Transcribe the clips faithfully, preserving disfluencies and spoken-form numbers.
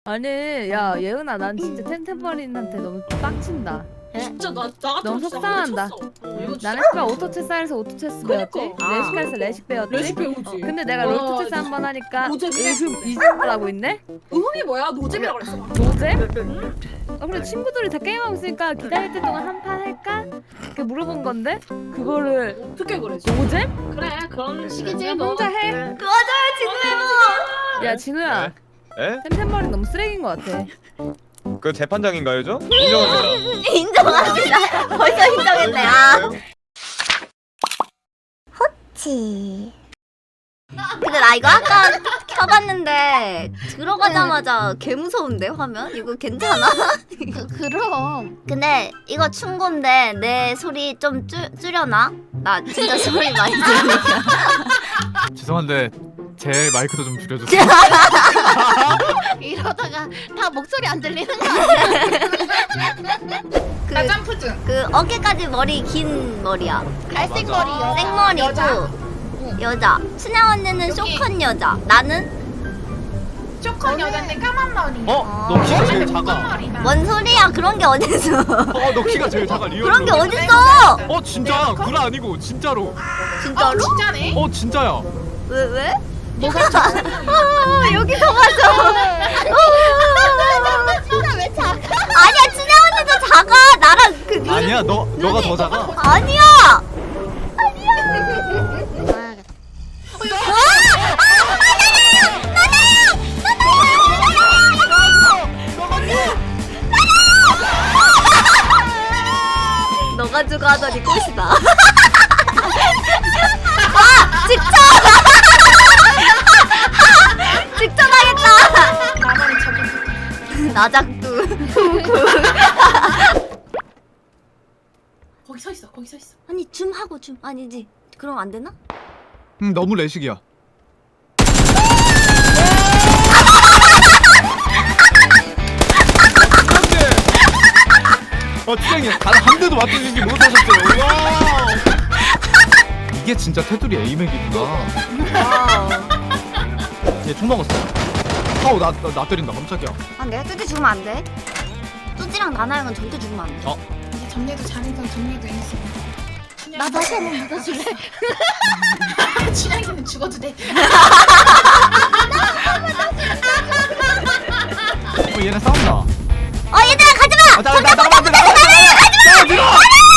아니 야 예은아 난 진짜 템템버린한테 너무 빡친다. 진짜 나, 나 같은 너무 거 진짜 속상한다. 안 해쳤어. 나는 씨발 오토체스에서 오토체스 배웠지? 그러니까. 레식할에서 레식 배웠지? 레식 배우지. 근데 내가 와, 롤토체스 한 번 하니까 노잼이네. 의흠 이즘을 하고 있네? 의흠이 뭐야? 노잼이라고 그랬어. 노잼? 어 그래 친구들이 다 게임하고 있으니까 기다릴 때 동안 한 판 할까? 이렇게 물어본 건데 그거를 어떻게 그랬어? 노잼? 그래 그런 식이지. 그냥 너. 혼자 해? 맞아요 진우야. 야 진우야 에? 템템버린 너무 쓰레기인 것 같아. 그 재판장인가요, 저? 인정합니다. 인정합니다. 벌써 인정했네. 아. 호치. 근데 나 이거 아까 켜봤는데 들어가자마자 개 무서운데 화면? 이거 괜찮아? 그럼 근데 이거 충고인데 내 소리 좀 줄, 줄여놔? 나 진짜 소리 많이 들으니까. 죄송한데 제 마이크도 좀 줄여주세요. 이러다가 다 목소리 안 들리는 거 아니야? 나 그, 점프 중. 그 어깨까지 머리 긴 머리야. 갈색 머리 여자. 생머리고 여자. 여자. 춘향 언니는 여기. 쇼컷 여자. 나는? 쇼컷 여잔데 까만 머리. 어? 너 키가 제일 작아. 머리다. 뭔 소리야? 그런 게 어딨어? 어, 너 키가 제일 작아. 리얼로. 그런 게 어딨어? 어, 진짜. 구라 아니고 진짜로. 어 진짜로? 진짜네. 어, 진짜야. 왜 왜? 뭐가 아, 여기서 맞아. 진짜 왜 작아? 아니야, 춘향 언니도 작아. 나랑 그 눈. 아니야, 너 너가 더 작아. 아니야. 너가 주고 하더니 꽃이다. 아, 직접. 직접 하겠다. 나만의 자존심. 나작두. 거기 서 있어. 거기 서 있어. 아니 줌 하고 줌 아니지? 그럼 안 되나? 음, 너무 레식이야. 어, 짱이 단한 대도 맞추지 못하셨어요. 와. 이게 진짜 테두리 에이맥이구나. 얘총 먹었어. 아우 나, 나, 나 때린다 깜짝이야. 아 내가 뚜지 죽으면 안 돼. 뚜지랑 나나랑은 절대 죽으면 안 돼. 어? 이제 정리도 잘해서 정리도 했어. 나 다시 한번 믿어줄래? 춘향이는 죽어도 돼. 어 얘네 싸운다. 어 얘들아 가지마. 아, 나, 나, 나, 나, 나, 나, 나, 밀어!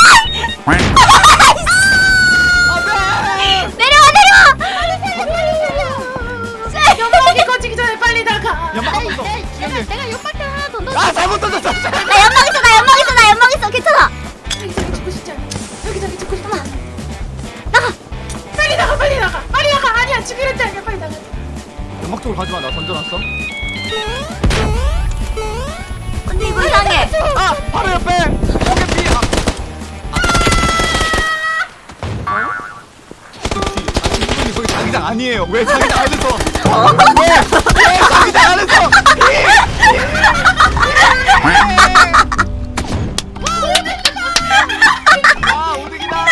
내려와 내려와. 연막이 꺼지기 전에 빨리 나가. 연막 한번 더. 내가 내가 연막대 하나 더 넣어. 아 잘못 던졌어. 나 연막 있어 나 연막 있어 나 연막 있어 괜찮아. 여기 저기 죽고 싶지 않아. 여기 저기 죽고 싶지 않아. 나가. 빨리 나가 빨리 나가. 빨리 나가. 아니야 죽이려 했지 아니야. 빨리 나가. 연막 쪽으로 가지마. 나 던져놨어. 언니 이거 이상해. 아 바로 옆에. 고개 피. 아. 이분이 거기 자기장 아니에요. 왜 자기장 안에서? 왜? 왜 자기장 안에서? 아 오득이다.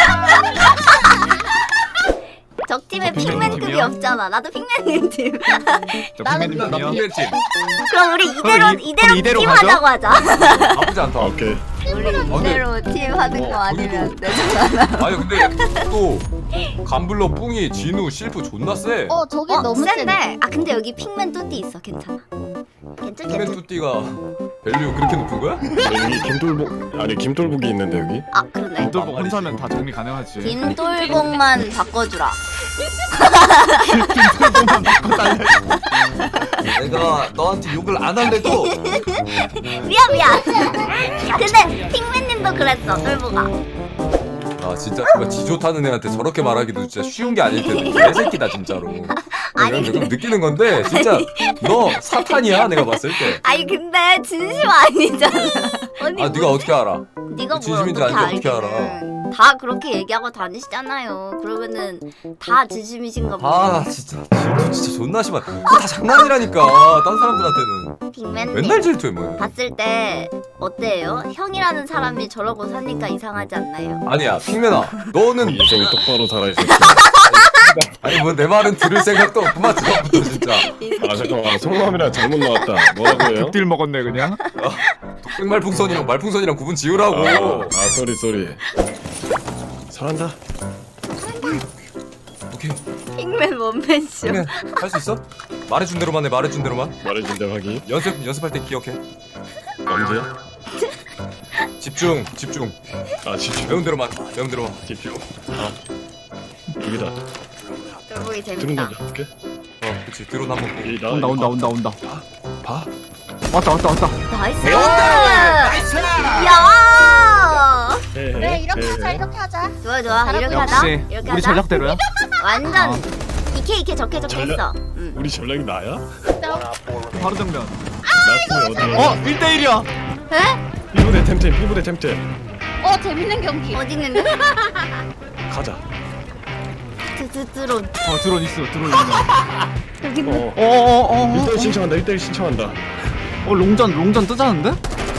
적 팀에 어, 핑맨님 핑맨급이 팀이요? 없잖아. 나도 핑맨님 팀. 저 핑맨님 팀이요. 그럼 우리 이대로 그럼 이- 이대로 그럼 이대로 팀 가죠? 하자고 하자. 나쁘지 않다. 오케이. 우리 이대로 팀 하는 거 아니면 되잖아. 아니 근데 또 감블러, 뿡이, 진우, 실프 존나 세. 어 저게 어 너무 센데. 센데. 아 근데 여기 핑맨 뚜띠 있어. 괜찮아. 괜찮 핑맨 괜찮. 뚜띠가 밸류 그렇게 높은 거야? 여기 김돌복 아니 김돌복이 있는데 여기 아 그러네. 김돌복 혼자면 다 정리 가능하지. 김돌복만 바꿔주라. 김돌복만 바꿔달래. 내가 너한테 욕을 안 할래도 미안 미안. 근데 핑맨님도 그랬어. 돌보가. 아 진짜 그거 지 좋다는 애한테 저렇게 말하기도 진짜 쉬운 게 아닐 텐데 개새끼다 진짜로. 아니, 내가 지금 느끼는 건데 진짜 너 사탄이야 내가 봤을 때. 아니 근데 진심 아니잖아. 언니 아 네가 어떻게 알아? 네가 뭘 진심인지 어떻게 아닌지 어떻게 알기는. 다 그렇게 얘기하고 다니시잖아요. 그러면은 다 진심이신가 보네. 아 진짜 질투 진짜 존나 심한. 그거 다 장난이라니까. 딴 사람들한테는 빅맨님 맨날 질투해 뭐. 봤을 때 어때요? 형이라는 사람이 저러고 사니까 이상하지 않나요? 아니야 핑맨아 너는 인생이 똑바로 살아있었어. 아니 뭐 내 말은 들을 생각도 없구만 처음부터 진짜. 아 잠깐만 속마음이랑 잘못 나왔다. 뭐라고 해요? 딜 먹었네 그냥. 흑말풍선이랑 말풍선이랑 구분 지으라고. 아, 아 쏘리 쏘리. 잘한다. 오케이 빅맨 원맨쇼. 핑맨 할 수 있어? 말해준 대로만 해 말해준 대로만. 말해준 대로 하기. 연습 연습할 때 기억해. 언제야? 집중 집중. 아 집중. 배운 대로만 배운 대로만. 집중. 아 여기다. 들어보기 드론 재밌다. 던져볼게. 어 그치 드론 한번 보고. 여기 나 온다 온다 온다 온다. 봐. 왔다 왔다 왔다. 나이스. 나이스! 야. 해, 그래 해, 이렇게 해, 하자 해. 이렇게 하자. 좋아 좋아. 이렇게 하자. 역시 이렇게 우리 하자. 전략대로야. 완전 이케 이케 적게 적게 전략- 했어. 응. 우리 전략이 나야? 바로 정면. 나스면 어디? 어 일 대 일이야. 에? 피부대 템템 피부대 템템. 어 재밌는 경기. 어디 있는데? 가자. 드드드론. 어 드론 있어 드론 있어. 여기 있네. 어. 어어어 일 대 일 신청한다. 일 대 일 신청한다. 어 롱전 롱전 뜨자는데?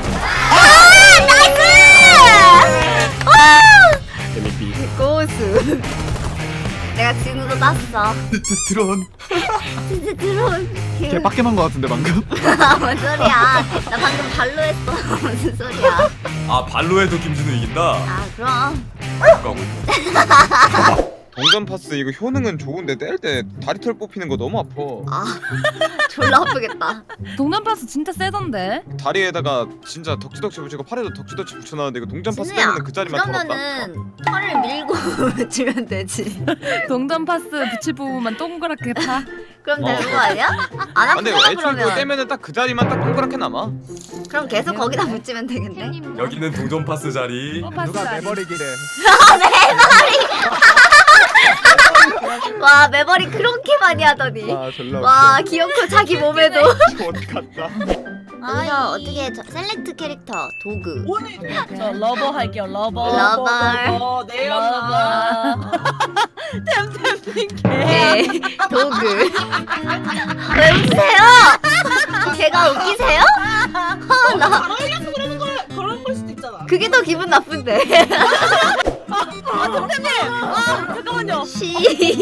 재밌비. 고수. 내가 지금도 땄어. 드론. 드드드론. 걔 빡겜한 거 같은데 방금. 뭔 소리야? 나 방금 발로 했어. 무슨 소리야? 아 발로 해도 김준우 이긴다. 아 그럼. 가고. 동전 파스 이거 효능은 좋은데 뗄 때 다리털 뽑히는 거 너무 아파. 아 졸라 아프겠다. 동전 파스 진짜 세던데. 다리에다가 진짜 덕지덕지 붙이고 팔에도 덕지덕지 붙여놨는데 이거 동전 파스 진우야, 때문에 그 자리만 털었다. 그러면은 털을 밀고 주면 되지. 동전 파스 붙일 부분만 동그랗게 파. 그럼 어. 되는 거 아니야? 안 아, 근데 아프잖아 애초에 그거 그러면. 떼면은 딱 그 자리만 딱 동그랗게 남아. 그럼 계속 거기다 붙이면 되겠네. 여기는 동전 파스 자리. 어, 파스 누가 아니- 내버리기래. 와 매버리 그렇게 많이 하더니. 아 졸라. 와 귀엽고 자기 몸에도. 어디 갔다. 여기서 어떻게 저, 셀렉트 캐릭터 도구. 저 러버 할게요. 러버. 러버. 러버. 템템핑 네 도구. 왜 웃으세요? 걔가 웃기세요? 아, 나 그런 걸 수도 있잖아. 그게 더 기분 나쁜데. 아 선생님. 아 잠깐만요. 시.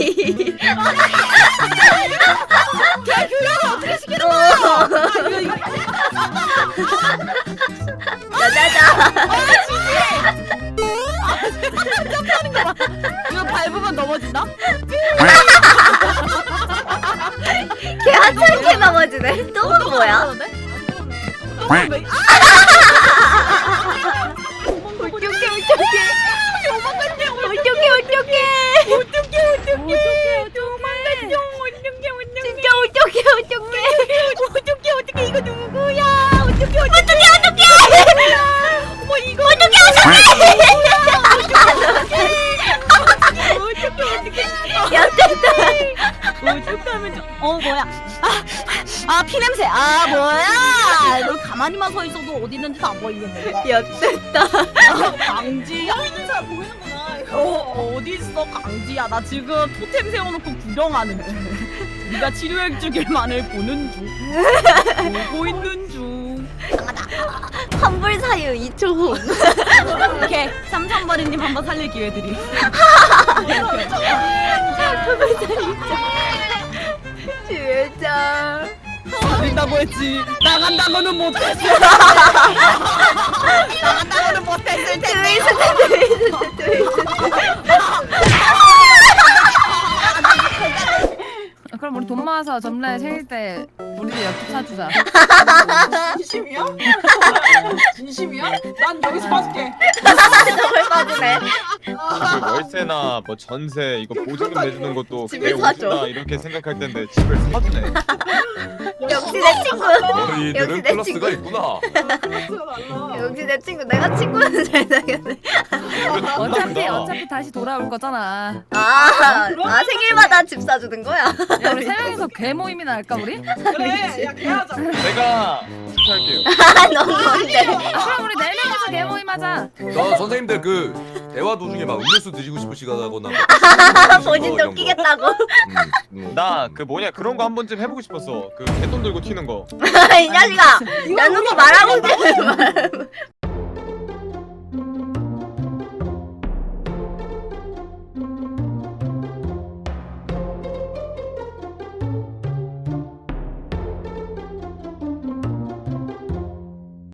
걔 교육을 어떻게 시키는 거야? 아, 이거 이거. 짜자자. 이거 밟으면 넘어진다? 걔 하찮게 넘어지네. 똥은 뭐야? 똥은 왜? 울적해 울적해. 도망갔냐? 울적해 울적해. 어떡해 어떡해 도망갔냐? 어떡해 어떡해 진짜 울적해 울적해. 어떡해 어떡해 이거 누구야? 어떡해 어떡해 어떡해 어떡해. 어머 이거 어떡해 어떡해 어떡해 야 됐다. 어떡하면 좀- 어 뭐야? 아, 아 피냄새. 아 뭐야? 너 가만히만 서 있어도 어디 있는지도 안 보이겠네. 야 됐다. 아, 강지야? 보이는 사람 보이는구나. 어 어디 있어 강지야? 나 지금 토템 세워놓고 구경하는 중. 네가 치료해 주길만을 보는 중. 보고 있는 중. 환불 사유 이 초 후. 오케이 삼삼버리님 한번 살릴 기회 드리. 주회장. 살린다고 했지. 나간다고는 못했어. 나간다고는 못했을 텐데. 트위스트 트위스트 트위스트. 그럼 우리 돈 모아서 점례 생일 때 우리들 옆집 사주자. 진심이야? 진심이야? 난 여기서 봐줄게. 정말 빠지네. 그 월세나 뭐 전세 이거 보증금 내주는 것도 집을 내 사줘. 옷이나 이렇게 생각할 텐데 집을 사주네. 역시 내 친구. 너희들은 역시 내 플러스가 친구. 있구나. 역시 내 친구. 내가 친구는 잘 사귀었네. 어차피 어차피 다시 돌아올 거잖아. 아, 아 생일마다 집 사주는 거야? 야, 우리 세 명이서 개 모임이나 할까 우리? 그래 야 개하자. 내가 할게요. 아, 넌 뭔데? 그럼 우리 네 명이서 개 모임하자. 저 선생님들 그 대화 도중에 막 음료수 드시고 싶으시거나 본인도 끼겠다고. 음, 나 그 뭐냐 그런 거 한 번쯤 해보고 싶었어. 그 개돈 들고 튀는 거. 이 자식아, 내놓고 말하고 있는